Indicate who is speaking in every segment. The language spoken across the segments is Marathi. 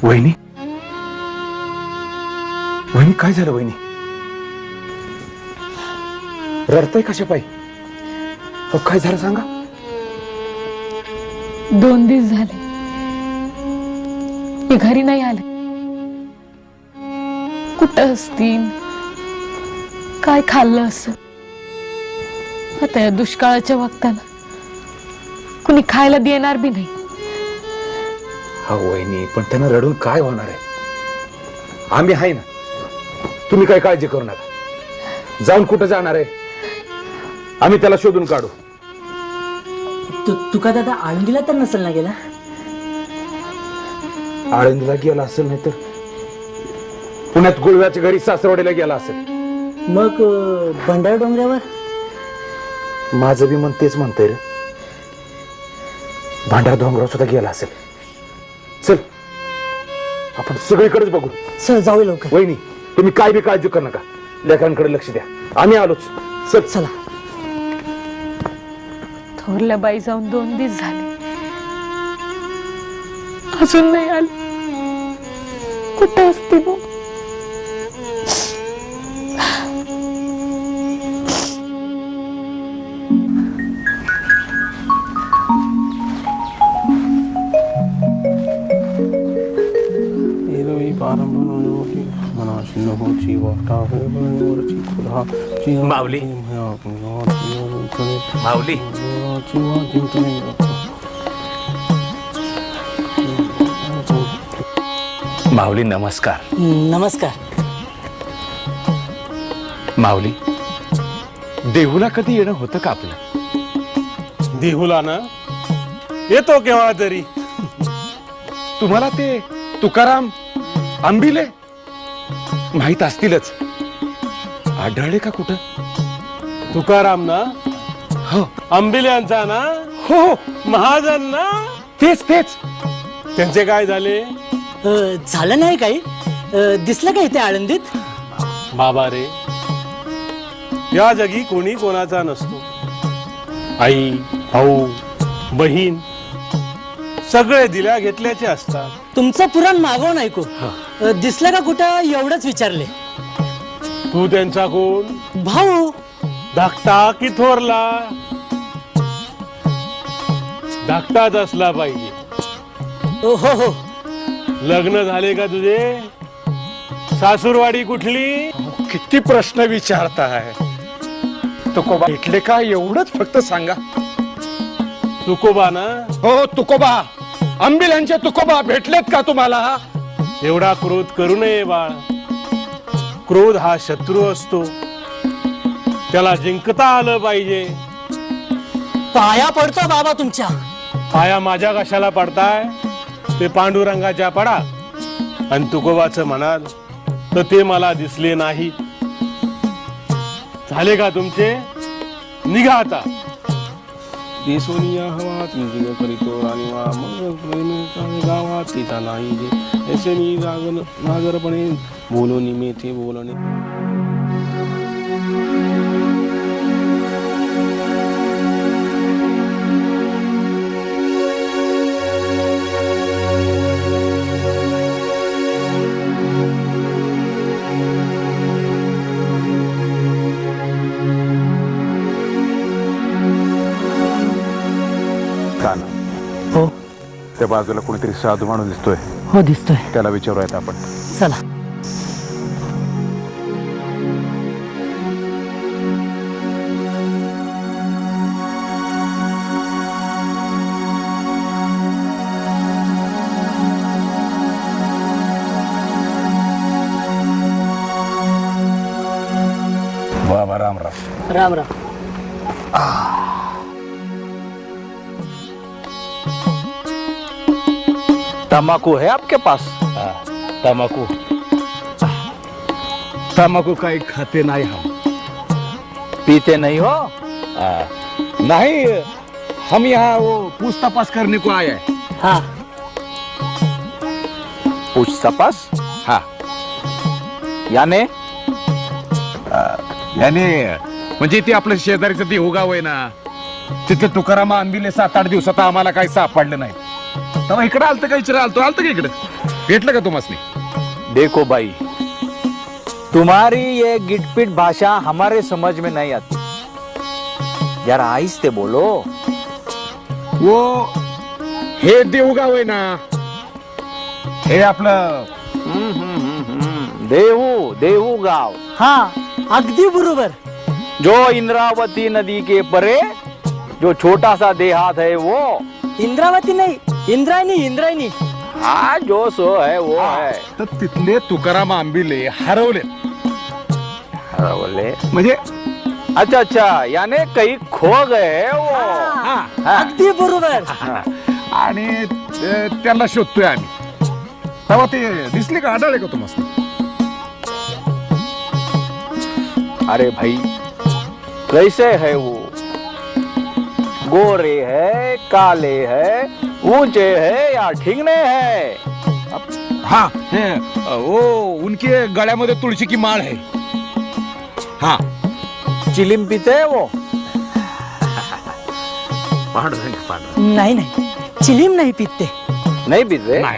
Speaker 1: वहिनी वहिनी काय झालं वहिनी? रडताय कशा पायी? काय झालं सांगा.
Speaker 2: 2 दिवस झाले मी घरी नाही आले. कुठं असतील, काय खाल्लं असं. आता या दुष्काळाच्या वक्ताला कुणी खायला देणार बी नाही.
Speaker 1: हा वहिनी, पण त्यांना रडून काय होणार आहे? आम्ही आहे ना, तुम्ही काय काळजी करू नका. जाऊन कुठं जाणार आहे? आम्ही त्याला शोधून काढू.
Speaker 3: तुका दादा आळंदीला तर नसेल ना गेला?
Speaker 1: आळंदीला गेला असेल, नाही तर पुण्यात गुळव्याच्या घरी सासरवाडीला गेला असेल.
Speaker 3: मग भंडार डोंगरावर?
Speaker 1: माझं बी मन तेच म्हणतंय रे. भांडार डोंगरावर सुद्धा गेला असेल. चल आपण सगळीकडेच बघू.
Speaker 3: चल जाऊ लवकर.
Speaker 1: वहिनी तुम्ही काय बी काळजी करू नका, लेकरांकडे लक्ष द्या. आम्ही आलोच. चल
Speaker 3: चला.
Speaker 2: थोरल्या बाई जाऊन 2 दिवस झाले, अजून नाही आले. कुठं असते मग?
Speaker 1: माऊली माऊली माऊली नमस्कार.
Speaker 3: नमस्कार.
Speaker 1: माऊली, देहूला कधी येणं होतं का आपलं?
Speaker 4: देहूला ना येतो केव्हा तरी.
Speaker 1: तुम्हाला ते तुकाराम आंबिले माहित असतीलच. आढळले का कुठं?
Speaker 4: तुकाराम ना?
Speaker 1: हो
Speaker 4: आंबिल्यांचा ना?
Speaker 1: हो
Speaker 4: महाजन ना?
Speaker 1: तेच तेच.
Speaker 4: त्यांचे काय झाले?
Speaker 3: झालं नाही काही? दिसलं का इथे आळंदीत?
Speaker 4: बाबा रे, या जगी कोणी कोणाचा नसतो. आई, भाऊ, बहीण सगळे दिल्या घेतल्याचे असतात.
Speaker 3: तुमचं पुराण मागवून ऐकू. दिसलं का कुठं एवढंच विचारले.
Speaker 4: तू त्यांचा कोण?
Speaker 3: भाऊ.
Speaker 4: धाकटा की थोरला? धाकटाच असला पाहिजे.
Speaker 3: हो हो.
Speaker 4: लग्न झाले का तुझे? सासूरवाडी कुठली?
Speaker 1: किती प्रश्न विचारताय. तुकोबा भेटले का एवढंच फक्त सांगा.
Speaker 4: तुकोबा ना?
Speaker 1: हो तुकोबा, आंबिलांचे तुकोबा भेटलेत का तुम्हाला?
Speaker 4: एवढा क्रोध करू नये बाळ. क्रोध हा शत्रू असतो, त्याला जिंकता आलं पाहिजे.
Speaker 3: पाया पडतो बाबा तुमच्या.
Speaker 4: पाया माझ्या कशाला पडताय? ते पांडुरंगाच्या पडा. आणि तुकोबाचं म्हणाल तर ते मला दिसले नाही. झाले का तुमचे? निघा आता. देसोनिया हवा तुमची करीतो आणि गावात तिचा नाही जे ऐसे मी नागरपणे बोलून मेथे बोलणे.
Speaker 3: हो
Speaker 1: त्या बाजूला कोणीतरी साधू माणूस दिसतोय.
Speaker 3: हो दिसतोय.
Speaker 1: त्याला विचारूयात आपण.
Speaker 3: चला.
Speaker 1: बाबा राम राम.
Speaker 3: राम राम.
Speaker 1: तंबाकू है आपके पास? तंबाकू तंबाकू काही खाते नहीं हम. पीते नहीं हो? नहीं, हम यहाँ वो पूछ तपास करने को आए हैं.
Speaker 3: हाँ.
Speaker 1: पूछ तपास? हाँ. याने याने म्हणजे ते आपलं शेजारीचं देहू गाव आहे ना, तिथे तुकाराम आंबिले 7-8 दिवसात आम्हाला काही सापडलं नाही. तेव्हा इकडे आलतं का? विचार आलतो का इकडे? भेटलं का तुम्हाला?
Speaker 5: देखो भाई, तुम्हारी ये गिटपिट भाषा हमारे समझ में नहीं आती, जरा आहिस्ते बोलो।
Speaker 1: वो हे देऊगाव आहे ना, हे आपलं
Speaker 5: देहू देहू गाव,
Speaker 3: हा अगदी बरोबर.
Speaker 5: जो इंद्रावती नदी के परे जो छोटा सा देहात है वो,
Speaker 3: इंद्रावती नाही, इंद्रायणी इंद्रायणी.
Speaker 5: हाँ जो सो है वो है.
Speaker 1: तर तिथले तुकाराम आंबिले हरवले.
Speaker 5: बोले
Speaker 1: म्हणजे
Speaker 5: अच्छा अच्छा, यानी कहीं खो गए वो.
Speaker 3: हा,
Speaker 5: हा.
Speaker 3: अगदी बरोबर.
Speaker 1: आणि त्यांना शोधतोय आम्ही. तेव्हा ते दिसले का, आढळले का तुम्हाला?
Speaker 5: अरे भाई, कैसे है वो? गोरे है, काले है, ऊंचे है या ठिंगने है?
Speaker 1: हा हे ओ उनके गळ्यामध्ये तुळशी की माळ आहे. हा
Speaker 5: चिलिम पीते है वो?
Speaker 3: नाही नाही, चिलीम नाही पिते.
Speaker 5: नहीं पीते?
Speaker 1: नाही.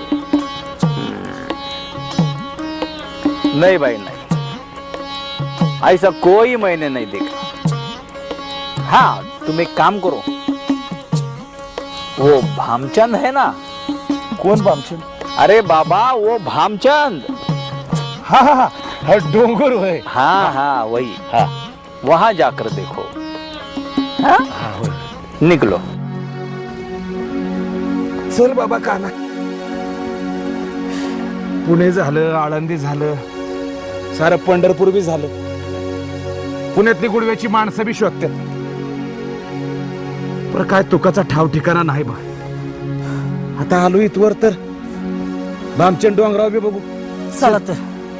Speaker 5: नहीं भाई नहीं, ऐसा कोई मैंने नहीं देखा. हाँ तुम एक काम करो, वो भामचंद है ना?
Speaker 1: कोण भामचंद?
Speaker 5: अरे बाबा वो भामचंद.
Speaker 1: हा हा हा डोंगर होय.
Speaker 5: हाँ हाँ वही.
Speaker 1: हा
Speaker 5: वहां जाकर देखो. हाँ?
Speaker 1: हा होय.
Speaker 5: निकलो.
Speaker 1: चल बाबा काना. पुणे झालं, आळंदी झालं, सारं पंढरपूर बी झालं. पुण्यातली गुडव्याची माणसं बी शोधतात, पण काय तुकाचा ठाव ठिकाणा नाही बा. आता आलो इथवर तर भामचंद डोंगराव बी बघू.
Speaker 3: चला तर.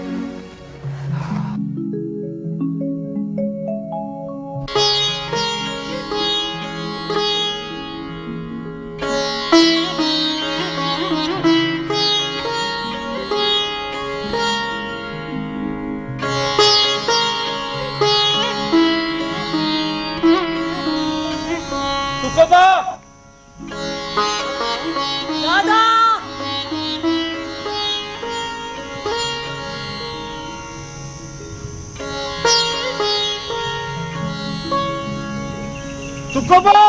Speaker 3: दादा,
Speaker 1: तुकोबा.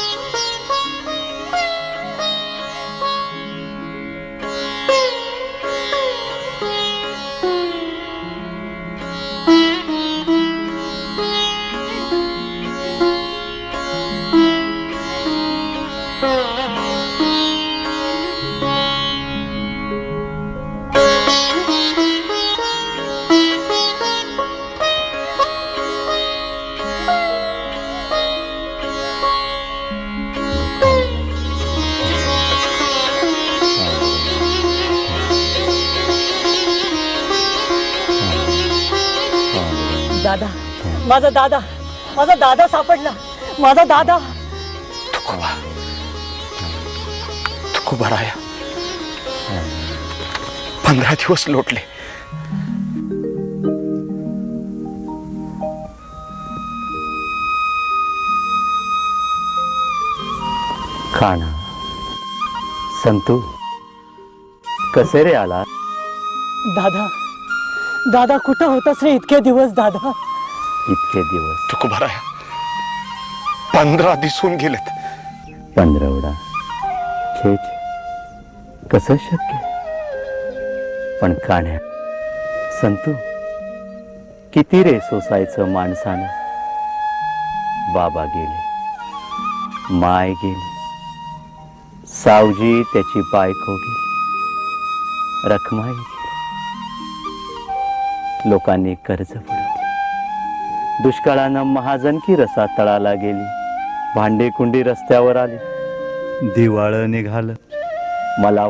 Speaker 3: दादा, माझा दादा, माझा दादा सापडला. माझा दादा.
Speaker 1: तुकोबा राया 15 दिवस लोटले.
Speaker 6: खाना संतू, कसे रे आला?
Speaker 3: दादा, दादा कुठं होतास रे इतके दिवस? दादा
Speaker 6: इतके दिवस
Speaker 1: तुकोबा राया 15 दिसून गेलेत.
Speaker 6: पंधरवडा खेच कसं शक्य? पण कान्या संतू, किती रे सोसायचं माणसानं. बाबा गेले, माय गेली, सावजी त्याची बायको गेली, रखमाई गेली, लोकांनी कर्ज बुडवले, दुष्काळानं महाजनकी रसा तळाला गेली, भांडी कुंडी रस्त्यावर आली, दिवाळं निघालं. मला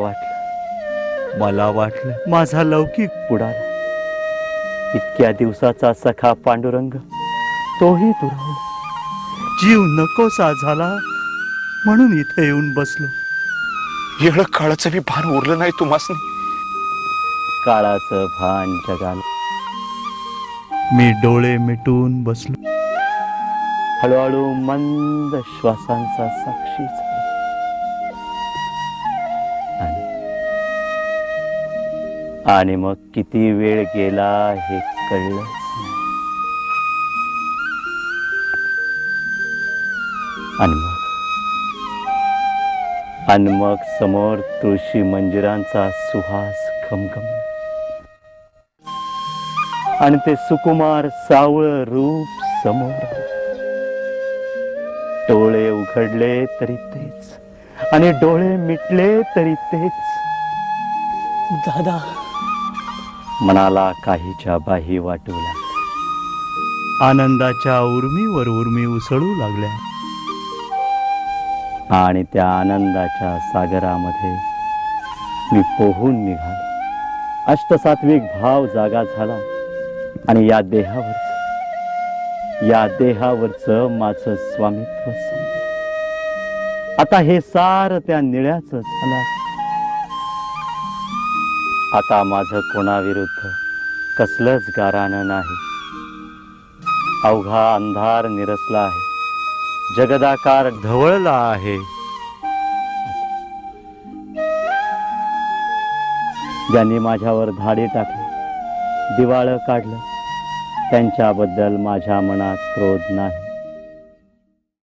Speaker 6: वाटलं माझा लौकिक बुडाला. इतक्या दिवसाचा सखा पांडुरंग तोही दुरावला. जीव नकोसा झाला म्हणून इथे येऊन बसलो.
Speaker 1: येळ काळाचं बी भान उरलं नाही तुम्हासनी.
Speaker 6: काळाचं भान जगाला. मी डोळे मिटून बसलो. हळूहळू मंद श्वासांचा साक्षी झाला आणि आणि मग किती वेळ गेला हे कळलंच नाही. आणि मग समोर तुळशी मंजिरांचा सुहास घमघमला आणि ते सुकुमार सावळ रूप समोर आलं. डोळे उघडले तरी तेच आणि डोळे मिटले तरी तेच.
Speaker 3: दादा,
Speaker 6: मनाला काहीच्या बाही वाटू लागल्या. आनंदाच्या उर्मीवर उर्मी उसळू लागल्या आणि त्या आनंदाच्या सागरामध्ये मी पोहून निघालो. अष्टसात्विक भाव जागा झाला आणि या देहावरचं माझं स्वामित्व संपलं. आता हे सार त्या निळ्याचं झालं. आता माझं कोणाविरुद्ध कसलंच गारानं नाही. अवघा अंधार निरसला आहे, जगदाकार ढवळला आहे. ज्यांनी माझ्यावर धाडे टाकले, दिवाळं काढलं, त्यांच्याबद्दल माझ्या मनात क्रोध नाही.